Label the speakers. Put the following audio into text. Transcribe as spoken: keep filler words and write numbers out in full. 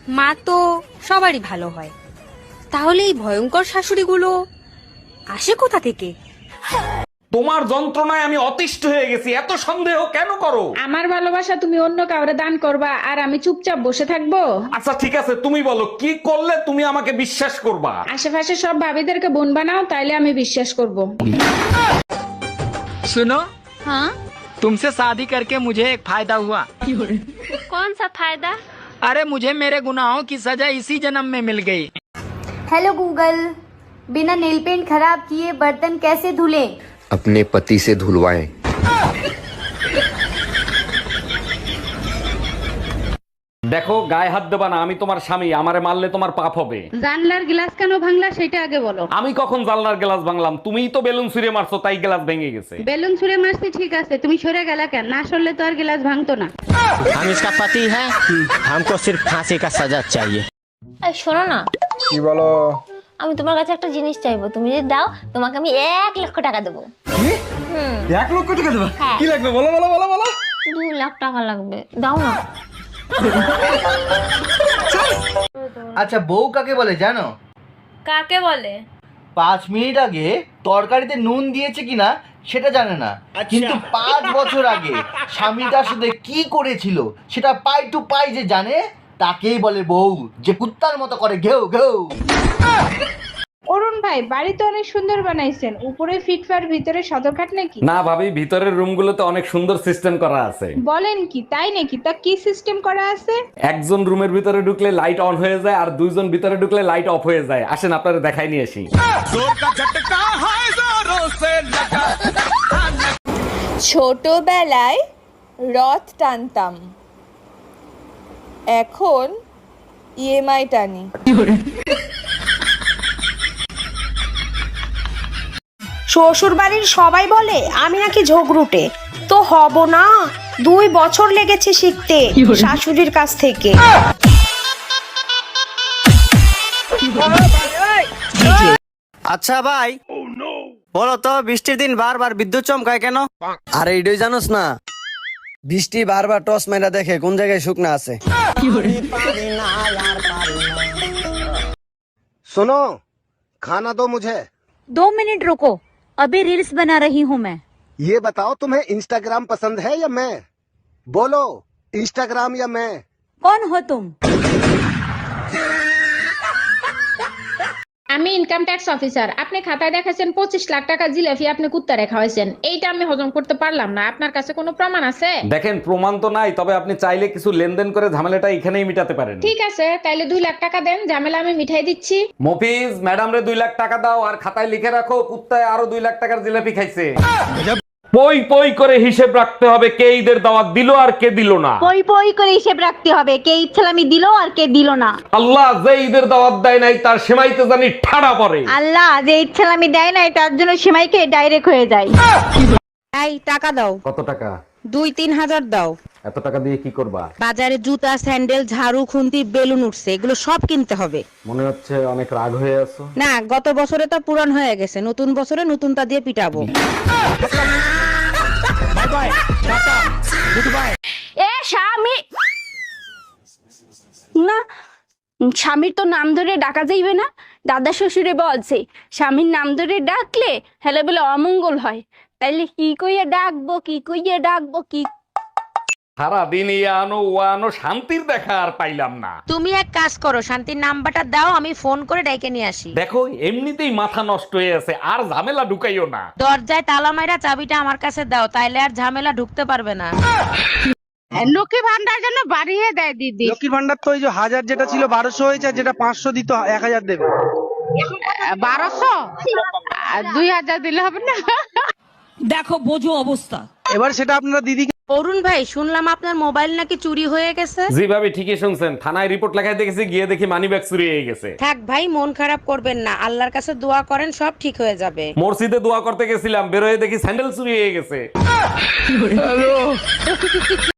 Speaker 1: মা তো সবারই ভালো হয়, তাহলে এই ভয়ঙ্কর শাশুড়িগুলো আসে কোথা থেকে?
Speaker 2: তোমার যন্ত্রণায় আমি অতিষ্ঠ হয়ে গেছি, এত সন্দেহ কেন করো?
Speaker 3: আমার ভালোবাসা তুমি অন্য কাউরে দান করবা আর আমি চুপচাপ বসে থাকবো?
Speaker 2: আচ্ছা ঠিক আছে, তুমি বলো কি করলে তুমি আমাকে বিশ্বাস করবা?
Speaker 3: আশেপাশে সব ভাবিদেরকে বোন বানাও, তাইলে আমি বিশ্বাস করব।
Speaker 4: सुनो,
Speaker 5: हाँ,
Speaker 4: तुमसे शादी करके मुझे एक फायदा हुआ।
Speaker 5: कौन सा फायदा?
Speaker 4: अरे मुझे मेरे गुनाहों की सजा इसी जन्म में मिल गई।
Speaker 6: हेलो गूगल, बिना नेल पेंट खराब किए बर्तन कैसे धुलें?
Speaker 7: अपने पति से धुलवाएं।
Speaker 2: দেখো, গায়ে হাত দেবা না, আমি তোমার স্বামী, আমারে মারলে তোমার পাপ হবে।
Speaker 3: জানলার গ্লাস কেন ভাঙলা সেটা আগে বলো।
Speaker 2: আমি কখন জানলার গ্লাস ভাঙলাম? তুমিই তো বেলুন ছুঁড়ে মারছো, তাই গ্লাস ভেঙে গেছে।
Speaker 3: বেলুন ছুঁড়ে মারছি ঠিক আছে, তুমি সরে গেলা কেন? না সরলে তো আর গ্লাস ভাঙতো না।
Speaker 8: हम इसका पति है, हमको सिर्फ फांसी का सजा चाहिए।
Speaker 5: এই শোনো না,
Speaker 9: কি বলো?
Speaker 5: আমি তোমার কাছে একটা জিনিস চাইবো, তুমি যদি দাও তোমাকে আমি এক লক্ষ টাকা দেবো।
Speaker 9: এক লক্ষ টাকা দেবা?
Speaker 5: হ্যাঁ।
Speaker 9: কি লাগবে বলো বলো বলো বলো।
Speaker 5: দু লাখ টাকা লাগবে, দাও না।
Speaker 10: আচ্ছা, বউ কাকে বলে জানো?
Speaker 5: কাকে বলে?
Speaker 10: পাঁচ মিনিট আগে তরকারিতে নুন দিয়েছে কিনা সেটা জানে না, কিন্তু পাঁচ বছর আগে স্বামী তার সাথে কি করেছিল সেটা পাই টু পাই যে জানে, তাকেই বলে বউ, যে কুত্তার মতো করে ঘেউ ঘেউ।
Speaker 3: অরুণ ভাই, বাড়ি তো অনেক সুন্দর বানাইছেন, উপরে ফিটফার ভিতরে সদরঘাট নাকি?
Speaker 2: না ভাবি, ভিতরের রুমগুলোতে অনেক সুন্দর সিস্টেম করা আছে।
Speaker 3: বলেন কি, তাই নাকি? তা কি সিস্টেম করা আছে?
Speaker 2: একজন রুমের ভিতরে ঢুকলে লাইট অন হয়ে যায়, আর দুইজন ভিতরে ঢুকলে লাইট অফ হয়ে যায়। আসেন আপনারা দেখাই নিয়ে আসি।
Speaker 1: ছোটবেলায় রথ টানতাম, এখন ইএমআই টানি।
Speaker 11: শ্বশুর বাড়ির সবাই বলে আমি নাকি ঝগড়ুটে, তো হব না। দুই বছর লেগেছে শিখতে শাশুড়ির কাছ থেকে।
Speaker 8: अच्छा भाई, বলো তো বৃষ্টির দিন বারবার বিদ্যুৎ চমকায় কেন?
Speaker 10: আরে এটাই জানোস না, বৃষ্টি বারবার টস মেরা দেখে কোন জায়গায় শুকনা আছে।
Speaker 9: सुनो, खाना दो मुझे।
Speaker 5: दो मिनट रुको, अभी रील्स बना रही हूँ मैं।
Speaker 9: ये बताओ तुम्हें इंस्टाग्राम पसंद है या मैं? बोलो, इंस्टाग्राम या मैं?
Speaker 5: कौन हो तुम?
Speaker 3: আমি ইনকাম ট্যাক্স অফিসার। আপনি খাতায় দেখাচ্ছেন পঁচিশ লাখ টাকা জিলাপি আপনি কুত্তারে খাওয়াইছেন, এইটা আমি হজম করতে পারলাম না। আপনার কাছে কোনো প্রমাণ আছে?
Speaker 2: দেখেন, প্রমাণ তো নাই, তবে আপনি চাইলে কিছু লেনদেন করে ঝামেলাটা এখানেই মিটাতে পারেন।
Speaker 3: ঠিক আছে, তাইলে দুই লাখ টাকা দেন, ঝামেলা আমি মিঠাই দিচ্ছি।
Speaker 2: মফিজ, ম্যাডাম রে দুই লাখ টাকা দাও, আর খাতায় লিখে রাখো কুত্তায় আরো দুই লাখ টাকার জিলাপি খাইছে। পই পই করে হিসেব রাখতে হবে, কে ঈদের দাওয়াত দিল আর কে দিল না।
Speaker 5: পই পই করে হিসেব রাখতে হবে, কে ইচ্ছালামি দিল আর কে দিল না।
Speaker 2: আল্লাহ যে ঈদের দাওয়াত দেয় নাই তার সেমাইতে জানি ঠাড়া পড়ে।
Speaker 5: আল্লাহ যে ইচ্ছালামি দেয় না তার জন্য সেমাইকে ডাইরেক্ট হয়ে যায়।
Speaker 1: এই টাকা দাও,
Speaker 2: কত টাকা?
Speaker 1: দুই তিন হাজার দাও।
Speaker 2: এত টাকা দিয়ে কি করবা?
Speaker 1: বাজারে জুতা, স্যান্ডেল, ঝাড়ু, খুন্তি, বেলুন উঠছে, এগুলো সব কিনতে হবে।
Speaker 2: মনে হচ্ছে অনেক রাগ হয়ে আছো।
Speaker 1: না, গত বছরে তো পুরান হয়ে গেছে, নতুন বছরে নতুনটা দিয়ে পিটাবো।
Speaker 5: এ স্বামী
Speaker 6: না, স্বামীর তো নাম ধরে ডাকা যাইবে না। দাদা শ্বশুরে বলছে স্বামীর নাম ধরে ডাকলে হেলে বলে অমঙ্গল হয়, তাইলে কি কইয়া ডাকবো, কি কইয়া ডাকবো, কি?
Speaker 2: সারাদিন আনো ও আনো, শান্তির দেখা আর পাইলাম না।
Speaker 1: তুমি এক কাজ করো, শান্তির নাম্বারটা দাও, আমি ফোন করে ডেকে নিয়ে আসি।
Speaker 2: দেখো, এমনিতেই মাথা নষ্ট হয়ে আছে, আর ঝামেলা ঢুকাইও না।
Speaker 1: দরজায় তালা মাইরা চাবিটা আমার কাছে দাও, তাইলে আর ঝামেলা ঢুকতে পারবে না।
Speaker 3: লক্ষ্মী ভান্ডার জন্য বাড়িয়ে দেয় দিদি।
Speaker 9: লক্ষ্মীর ভান্ডার তো ওই যে হাজার যেটা ছিল বারোশো হয়েছে, যেটা পাঁচশো দিত এক হাজার দেবে।
Speaker 3: বারোশো দুই হাজার দিলে হবে না?
Speaker 11: দেখো বোঝো অবস্থা।
Speaker 9: এবার সেটা আপনারা দিদিকে।
Speaker 1: অরুণ ভাই, শুনলাম আপনার মোবাইল নাকি চুরি হয়ে গেছে।
Speaker 2: জি ভাবি, ঠিকই শুনছেন, থানায় রিপোর্ট লেখাই দেখেছি, গিয়ে দেখি মানি ব্যাগ চুরি হয়ে গেছে।
Speaker 1: থাক ভাই, মন খারাপ করবেন না, আল্লাহর কাছে দোয়া করেন, সব ঠিক হয়ে যাবে।
Speaker 2: মসজিদে দোয়া করতে গেছিলাম, বেরোয় দেখি স্যান্ডেল চুরি হয়ে গেছে।